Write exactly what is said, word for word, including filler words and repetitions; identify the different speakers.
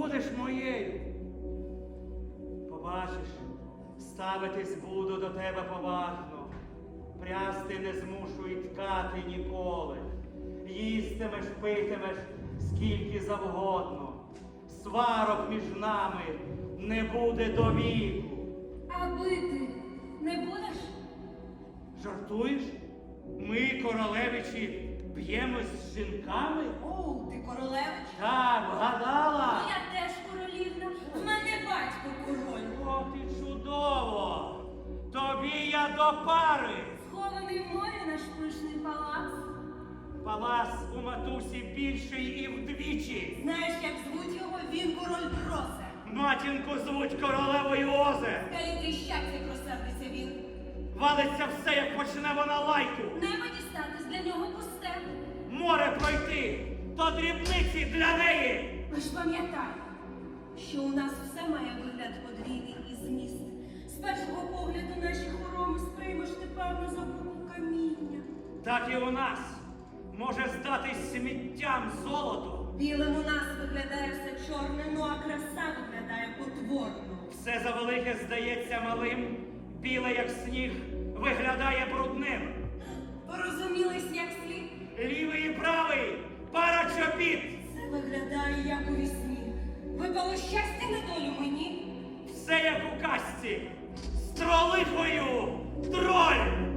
Speaker 1: будеш моєю. Побачиш, ставитись буду до тебе поважно, прясти не змушу і ткати ніколи. Їстимеш, питимеш, скільки завгодно. Сварок між нами не буде до віку.
Speaker 2: А бити не будеш?
Speaker 1: Жартуєш? Ми, королевичі, б'ємось з жінками?
Speaker 2: О, ти королевич?
Speaker 1: Так, вгадала?
Speaker 2: Ну, я теж королівна. В мене батько король.
Speaker 1: О, ти чудово! Тобі я до пари!
Speaker 2: Схований в морі наш пишний палац.
Speaker 1: Палац у матусі більший і вдвічі.
Speaker 2: Знаєш, як звуть його? Він король Бросе.
Speaker 1: Матінку звуть королевою Озе.
Speaker 2: Скажіть, щастя просердиться він.
Speaker 1: Валиться все, як почне вона лайку.
Speaker 2: Небо дістатись для нього пусте.
Speaker 1: Море пройти, то дрібниці для неї.
Speaker 2: Ви ж пам'ятайте, що у нас все має вигляд подвійний і зміст. З першого погляду наші хороми сприймеш ти, певно, за купу каміння.
Speaker 1: Так і у нас може здатись сміттям золото.
Speaker 2: Білим у нас виглядає все чорне, ну а краса виглядає потворно.
Speaker 1: Все завелике здається малим, біле, як сніг, виглядає брудним.
Speaker 2: Порозумілись, як слід?
Speaker 1: Лівий і правий, пара чобіт.
Speaker 2: Це виглядає, як у вісні. Випало щастя на долю мені.
Speaker 1: Все як у казці, з тролихою троль.